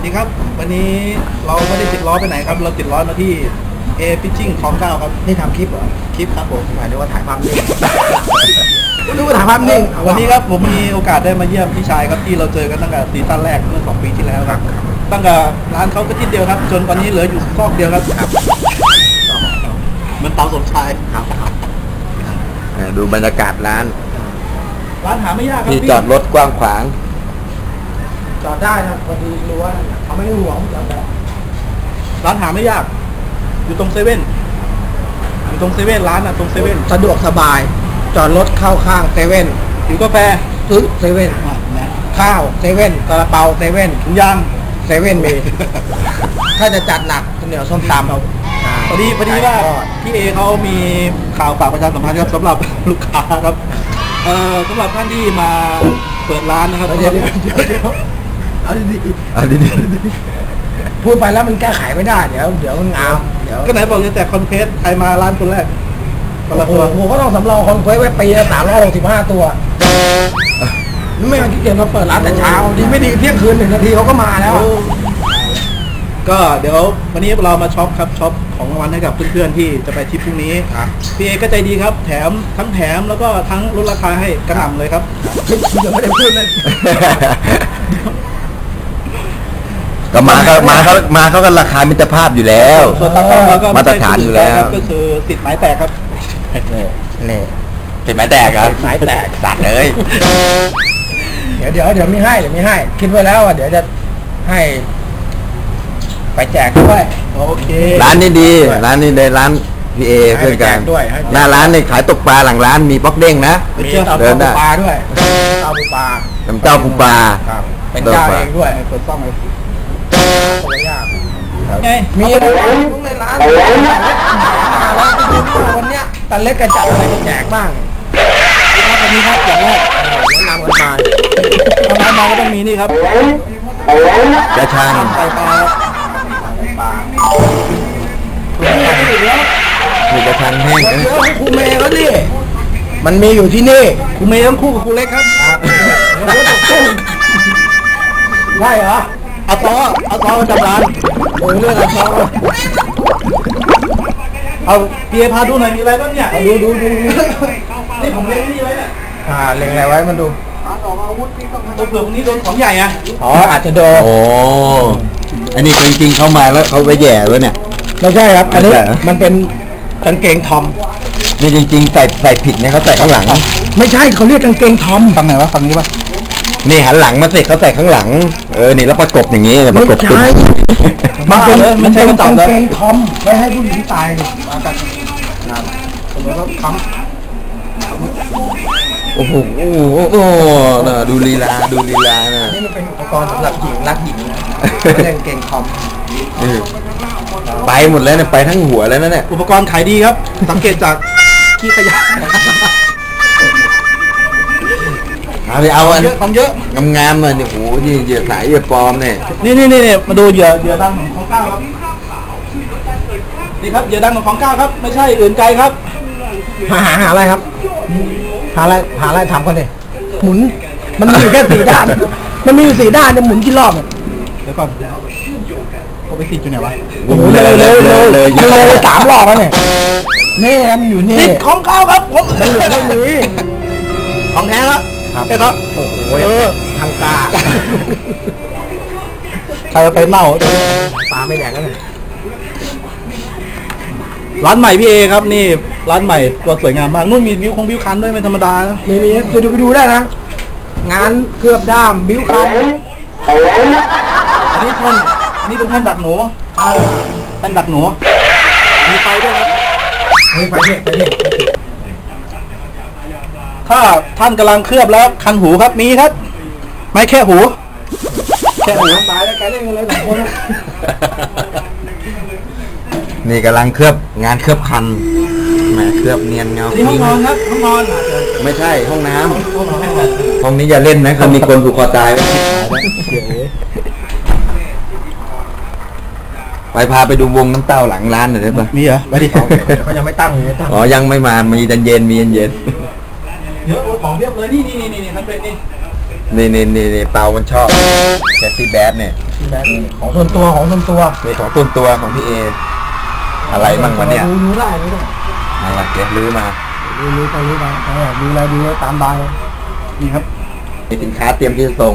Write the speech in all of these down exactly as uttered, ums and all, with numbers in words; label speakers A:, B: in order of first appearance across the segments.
A: ดีครับวันนี้เราไม่ได้ติดล้อไปไหนครับเราติดล้อมาที่เอฟิชชิ่งคลองเก้าครับนี่ทำคลิปเหรอคลิปครับผมหมายถึงว่าถ่ายภาพนิ่งดูว่าถ่ายภาพนิ่งวันนี้ครับผมมีโอกาสได้มาเยี่ยมพี่ชายครับที่เราเจอกันตั้งแต่ซีซั่นแรกเมื่อสองปีที่แล้วครับตั้งแต่ร้านเขาก็ที่เดียวครับจนวันนี้เหลืออยู่ซอกเดียวครับมันเตาสมชายครับ
B: ดูบรรยากาศร้าน
A: ร้านหาไม่ยากครับ
B: ที่จอดรถกว้างขวาง
A: จอดได้นะพอดีรู้ว่าเขาไม่ได้ห่วงจอดได้ร้านหาไม่ยากอยู่ตรงเซเว่นอยู่ตรงเซเว่นร้านอ่ะตรงเซเว่นสะดวกสบายจอดรถเข้าข้างเซเว่นถือกาแฟซื้อเซเว่นข้าวเซเว่นกระเป๋าเซเว่นถุงยางเซเว่นมีถ้าจะจัดหนักเหนียวส้มตำเราพอดีพอดีว่าพี่เอเขามีข่าวฝากประชาสัมพันธ์ครับสำหรับลูกค้าครับเอ่อสำหรับท่านที่มาเปิดร้านนะครับเดี๋ยวเดี๋ยวเดี๋ยวเอาดีๆเอาดีๆพูดไปแล้วมันแก้ไขไม่ได้เดี๋ยวเดี๋ยวมันงามเดี๋ยวก็ไหนบอกจะแจกคอนเพสใครมาร้านคนแรกคนละตัวผมก็ต้องสำรองคอนเพสไว้ปีละสามร้อยหกสิบห้าตัวไม่มาขี้เกียจมาเปิดร้านแต่เช้าดีไม่ดีเที่ยงคืนหนึ่งนาทีเขาก็มาแล้วก็เดี๋ยววันนี้เรามาช็อปครับช็อปของรางวัลให้กับเพื่อนๆที่จะไปทริปพรุ่งนี้พี่เอก็ใจดีครับแถมทั้งแถมแล้วก็ทั้งลดราคาให้กระหน่ำเลยครับยังไม่ได้พูดเลย
B: ก็มาเขามาเขามาเขาก็ราคามิตรภาพอยู่แล้วมาตรฐานอยู่แล้ว
A: ก็คือติดไม้แตกครับ
B: นี่ติดไม้แตกครับ
A: ไม้แตก
B: ตัดเลย
A: เดี๋ยวเดี๋ยวเดี๋ยวมีให้เดี๋ยวมีให้คิดไว้แล้วว่าเดี๋ยวจะให้ไปแจกด้วยโอเค
B: ร้านนี้ดีร้านนี้ในร้านพี่เอเพื่อนกันหน้าร้านนี่ขายตกปลาหลังร้านมีป๊อกเด้งนะ
A: มีเดินได้ปลาด้วยเจ้าปูปลา
B: น้ำเจ้าปูปลา
A: เป็นเจ้าเองด้วยเปิดซ่องเลยตัวยากไงมีอะไรทุกในร้านแล้วไปดูวันเนี้ยตาเล็กกระจับอะไรแจกบ้างครับวันนี้ครับอย่างแรกแนะนำกันมาทำไมมาก็ต้องมีนี่ครับ
B: กระชัง
A: ไก่ปลาปลา
B: มีกระชังแห้งนะ
A: ครูเมย์แล้วนี่มันมีอยู่ที่นี่ครูเมย์ต้องคู่กับครูเล็กครับได้เหรอเอาต่อเอาต่อมาจับร้านโอ้ยเรื่องอะไรต่อเอาเพียพาดูหน่อยมีอะไรบ้างเนี่ยดูดูดูนี่ผมเล็งนี่ไว้เนี่ยอ่าเล็งอะไรไว้มันดูตัวเปลือกนี้โดนของใหญ่อะอ๋ออาจจะโดน
B: โอ้อันนี้จริงๆเข้ามาแล้วเขาไปแย่แล้วเนี่ย
A: ไม่ใช่ครับอันนี้มันเป็นกางเกงทอม
B: นี่จริงๆใส่ใส่ผิดเนี่ยเขาใส่ข้างหลัง
A: ไม่ใช่เขาเรียกกางเกงทอมฟังไหนวะฟังนี้ปะ
B: นี่หันหลังมาเสร็จเขาใส่ข้างหลังเออนี่แล้วประกบอย่างนี้ประกบ
A: ใช่มันเป็นมันเป็นกางเกงทอมไว้ให้ผู้หญิงใส่มากันนะผมก็ค้ำ
B: โอ้โหโอ้โหดูลีลาดูลีลานะ
A: นี่มันเป็นอุปกรณ์สำหรับหญิงรักหญิงนะไม่ใช่กางเกงทอม
B: ไปหมดแล้วเนี่ยไปทั้งหัวแล้วนะเนี่ย
A: อุปกรณ์ขายดีครับสังเกตจากขี้ขยะ
B: เอาไปเอาอัน
A: เยอะของเยอะ
B: งามๆเลยเนี่ยโอ้โหนี่เหยื่อสายเหยื่อปลอมเนี่ย
A: นี่นี่นี่มาดูเหยื่อเหยื่อดังของก้าวครับนี่ครับเหยื่อดังของก้าวครับไม่ใช่อื่นไกลครับหาหาอะไรครับหาอะไรหาอะไรทำกันเลยหมุนมันมีแค่สี่ด้านมันมีอยู่สี่ด้านจะหมุนกี่รอบเดี๋ยวก่อนเขาไปติดอยู่ไหนวะโอ้โหเลยเลยเลยเลยเลยสามรอบแล้วเนี่ยนี่มันอยู่นี่ติดของก้าวครับผมไม่เหลือไม่มีของแท้แล้วใช่ครับโอ้โหทางตาใครไปเมาตาไม่แดงแล้วเนี่ยร้านใหม่พี่เอครับนี่ร้านใหม่ตัวสวยงามมากนู่นมีวิวคงวิวคันด้วยไม่ธรรมดานะมีมีไปดูไปดูได้นะงานเคลือบด้ามวิวคันอันนี้ท่านอันนี้เป็นท่านดักหนูท่านดักหนูมีไฟด้วยครับมีไฟด้วยไฟด้วยถ้าท่านกำลังเคลือบแล้วคันหูครับมีครับไม่แค่หูแค่หูตายแล้วแกเล่นกันเลยสองคน
B: นี่กำลังเคลือบงานเคลือบคันแหมเคลือบเนียนเงา
A: ห้องนอนครับห้องนอน
B: ไม่ใช่ห้องน้ำห้องนี้อย่าเล่นนะเขามีคนผูกคอตายไปพาไปดูวงน้ำเต้าหลังร้านหน่อยได้ปะ
A: มีเหรอไปดิเขายังไม่ตั้งเลย
B: อ๋อยังไม่มามีเย็นเย็นมีเย็นเย็น
A: เยอะของเรียบเลยนี่นี่นี่นี่นี่ทำเป็นนี่
B: นี่นี่นี่เปามันชอบแคทตี้แบดเนี่ย
A: พี่แม็กของส่วนตัวของส่วนตัว
B: นี่ของต้นตัวของพี่เออะไรบ้างวันเนี้ย
A: ดูรู้ได้ไม่ต้อง
B: อะไรเดี๋ยวลื้อมา
A: ดูรู้ไปรู้ไปดูอะไรดูตามใบนี่ครับ
B: มีสินค้าเตรียมที่จะส่ง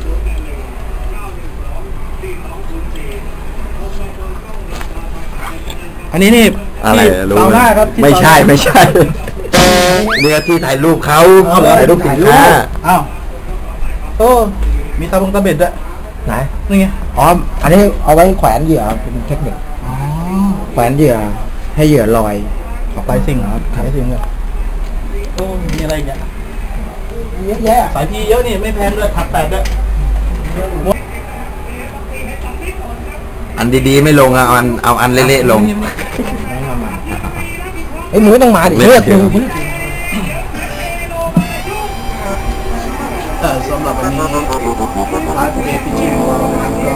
A: อันนี้นี่
B: อะไร
A: ที่
B: รู้
A: เตาหน้าครับที่
B: ไม่ใช่
A: เตาหน้า
B: ไม่ใช่เนี่ยที่ถ่ายรูปเขา
A: เอา
B: ถ่ายรูปสินค้า
A: อ้าวโอ้มีตาบงตาเบ็ดด้วย
C: ไหน
A: นี่ไง
C: อ๋อ อันนี้เอาไว้แขวนเหยื่อเป็นเทคนิค
A: อ๋อ
C: แขวนเหยื่อให้เหยื่อลอยออกไป
A: สายสิ่งเหรอครับสายสิ่งเลยโอ้มีอะไรอีกเนี่ย
C: เยอะแยะ
A: สายพีเยอะนี่ไม่แพงด้วยผัดแปดด้วย
B: อันดีๆไม่ลงอะเอาอันเอาอันเละๆลง
C: ไอ้ยหมูต้องมาดิ
B: ไม่
C: เลือก
B: เกี่
C: ดู
B: ยว
A: เออสำหรับวันนี้ร้านเอพีจีของเรานะครับก็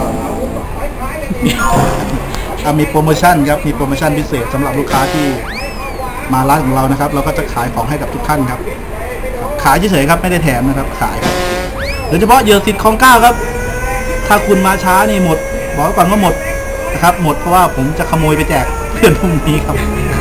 A: อ่ะมีโปรโมชั่นครับมีโปรโมชั่นพิเศษสำหรับลูกค้าที่มาร้านของเรานะครับ เราก็จะขายของให้กับทุกท่านครับ ขายเฉยๆครับไม่ได้แถมนะครับขายครับโดยเฉพาะเหยื่อสิทธิ์ของเก้าครับ ถ้าคุณมาช้านี่หมดบอกไว้ก่อนว่าหมดนะครับ หมดเพราะว่าผมจะขโมยไปแจกเพื่อนพรุ่งนี้ครับ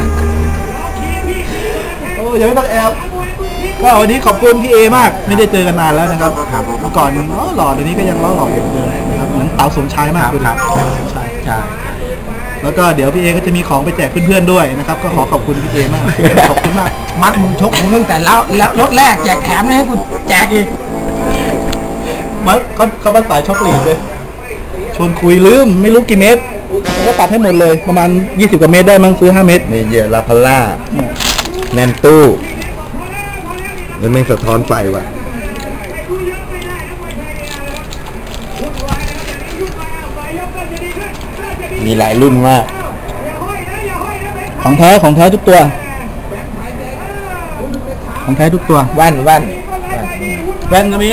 A: โอ้ยังไม่ต้องแอบก็วันนี้ขอบคุณพี่เอมากไม่ได้เจอกันนานแล้วนะครับเมื่อก่อนอ๋อหล่อเดี๋ยวนี้ก็ยังล้อหล่ออยู่เหมือนเดิมนะครับเหมือนเต๋าสมชายมากเลยครับสมชายใช่แล้วก็เดี๋ยวพี่เอก็จะมีของไปแจกเพื่อนๆด้วยนะครับ ก็ขอขอบคุณพี่เอมากขอบคุณมาก
C: มัดมึงชกมึงตั้งแต่แล้วแล้วรถแรกแจกแถมเลยให้กูแจกอีก
A: มาเขาเขาเป็นสายช็อกโกแลตเลยชวนคุยลืมไม่รู้กี่เมตรผมก็ตัดให้หมดเลยประมาณยี่สิบกว่าเมตรได้มั้งซื้อห้าเมตร
B: นี่เหยื่อลาพาล่าแน่นตู้แล้วไม่สะท้อนไฟว่ะ มีหลายรุ่นมาก
A: ของแท้ของแท้ทุกตัว ของแท้ทุกตัว
C: แว่นแว่น
A: แว่นก็มี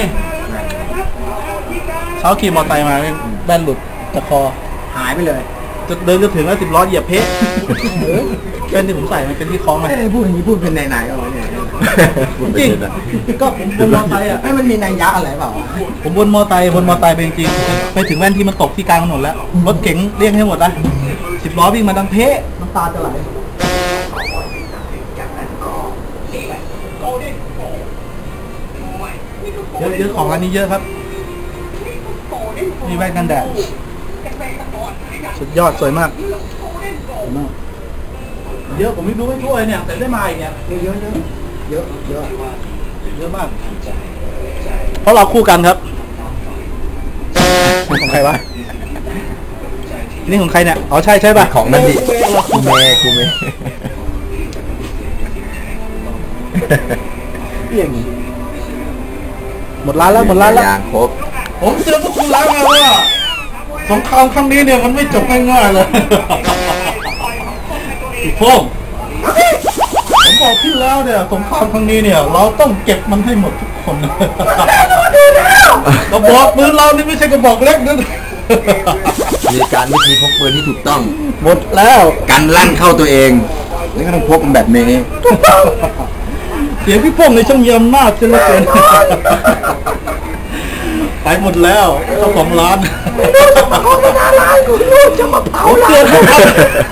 A: เช้าขี่มอเตอร์ไซค์มาแว่นหลุดจากคอ
C: หายไปเลย
A: จะเดินจะถึงแล้วสิบล้อเหยียบเพชรแว่นที่ผมใส่มันเป็นที่คล้องไหม
C: ไม่ได้พูดอย่างนี้พูดเป็นไหนๆเอาไว้เนี่ย
A: จริงก็ผมบนมอเตอร์ไซค์อ่ะ
C: ให้มันมีนัยยะอะไรเปล่า
A: ผมบนมอเตอร์ไซค์บนมอเตอร์ไซค์ไปจริงๆไปถึงแว่นที่มันตกที่กลางถนนแล้วรถเก๋งเรียกให้หมดละสิบล้อวิ่งมาดังเพะน้ำตาจะไหลเยอะเยอะของร้านนี้เยอะครับมีแว่นกันแดดสุดยอดสวยมากสวยมากเยอะผมไม่รู้ไม่ทั่วเลยเนี่ยแต่ได้มาอีกเนี่ยเยอะเยอะเยอะเยอะเยอะมากเพราะเราคู่กันครับของใครวะนี่ของใครเนี่ยอ๋อใช่ใช่ป่ะ
B: ของนั่นดิกูเมย์กูเมย์
A: เอี่ยงหมดร้านแล้วหมดร้านแล้ว
B: อย่างครบ
A: ผมเตือนพวกคุณแล้วไงว่าสงครามครั้งนี้เนี่ยมันไม่จบง่ายๆเลยพี่พงษ์ผมบอกพี่แล้วเนี่ยสงครามครั้งนี้เนี่ย เราต้องเก็บมันให้หมดทุกคนกระบอกปืนเรานี่ไม่ใช่กระบอกเล็กนะ
B: มีการวิธีพกปืนที่ถูกต้อง
A: หมดแล้ว
B: กันลั่นเข้าตัวเองนี่ก็ต้องพกแบบนี้
A: เสียงพี่พงษ์ในช่างมีอำนาจเสียเหลือเกินไปหมดแล้วเจ้าของร้านผมเตือนทุกท่าน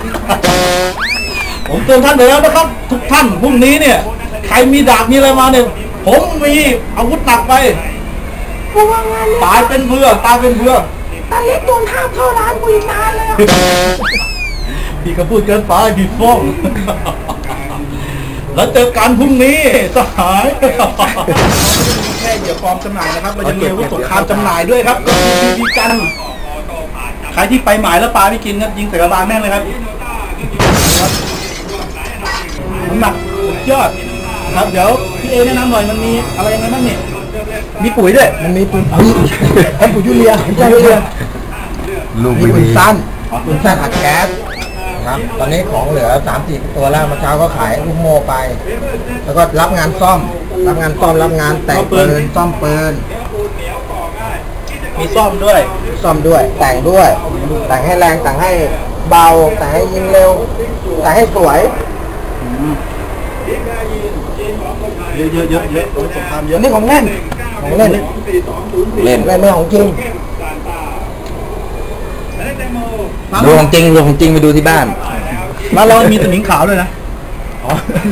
A: ผมเตือนท่านไปแล้วนะครับทุกท่านพรุ่งนี้เนี่ยใครมีดาบมีอะไรมาเนี่ยผมมีอาวุธหนักไปตายเป็นเพื่อตายเป็นเพื่อตาเล็กโดนห้ามเข้าร้านกูอีกนานเลยพี่ก็พูดเกินไปพี่ฟ้องแล้วเจอกันพรุ่งนี้สหายแค่เหยื่อปลอมจำหน่ายนะครับเราจะมีอาวุธสงครามจำหน่ายด้วยครับก็คือบีบีกันใครที่ไปหมายแล้วปลาไม่กินครับยิงใส่กระบาลแม่งเลยครับน้ำหนักสุดยอดครับเดี๋ยวพี่เอแนะนำหน่อยมันมีอะไรยังไงบ้างเนี่ยมีปุ๋ยด้วย
C: มันมีปืนปุ๋ยแอนปุ๋ยยูเรียไม่ใช่ยูเรีย
B: ลูก
C: มี
B: ไม่
C: ปื
B: มี
C: นสั้นปืนสั้นอัดแก๊สนะครับตอนนี้ของเหลือสามสี่ตัวแล้วเมื่อเช้าก็ขายลูกโม่ไป แล้วก็รับงานซ่อม รับงานซ่อมรับงานแต่งปืนซ่อมปืน
A: มีซ่อมด้วย
C: ซ่อมด้วย แต่งด้วย แต่งให้แรงแต่งให้เบาแต่งให้ยิงเร็วแต่งให้สวย
A: เยอะเยอะเยอะเยอะสงครามเย
C: อั
A: อะ
C: นนี้ของเล่นของเล่น
B: เล่น
C: เล่นไม่ของจริง
B: ดูของจริงดูของจริงไปดูที่บ้าน
A: ร้านเรามีสนิมขาวด้วยนะอ๋อ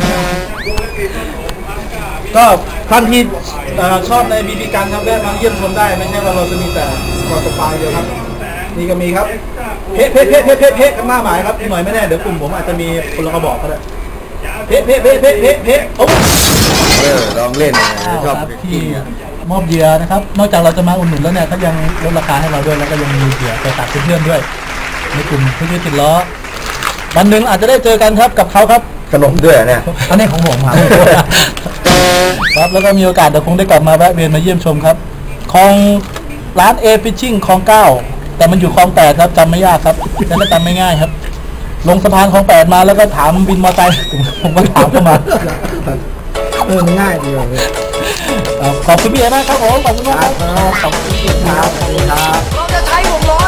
A: ก็ท่านที่เอ่อชอบในบีบีกันครับแวะมาเยี่ยมชมได้ไม่ใช่ว่าเราจะมีแต่กอตปลายเดียวครับนี่ก็มีครับเพะเพะเพะเพะเพะเพะกันหน้าหมายครับหน่อยไม่แน่เดี๋ยวกลุ่มผมอาจจะมีคนละกระบอกก็ได้เพะเพะเพะเพะเพะเพะโอ้
B: เออลองเล่นชอบ
D: ที่มอบเหยื่อนะครับนอกจากเราจะมาอุดหนุนแล้วเนี่ยเขายังลดราคาให้เราด้วยแล้วก็ยังมีเหยื่อไปตัดเพื่อนๆด้วยในกลุ่มเพื่อนๆติดล้อวันหนึ่งอาจจะได้เจอกันครับกับเขาครับ
B: ขนมด้วยเนี่ย
D: อันนี้ของผมครับ ครับแล้วก็มีโอกาสเดี๋ยวคงได้กลับมาแวะเวียนมาเยี่ยมชมครับคลองร้านเอฟิชชิ่งคลองเก้าแต่มันอยู่คลองแปดครับจำไม่ยากครับแต่ก็จำไม่ง่ายครับ ลงสะพานคลองแปดมาแล้วก็ถามบินมอเตอร์ไซค์ผมก็ถามเข้ามา
C: เออง่ายดีเลย
D: ขอบคุณพี่เอ๋มากครับผมขอบคุณมากครับขอบคุณครับ
C: ครับ
E: เราจะใช้วงล้อ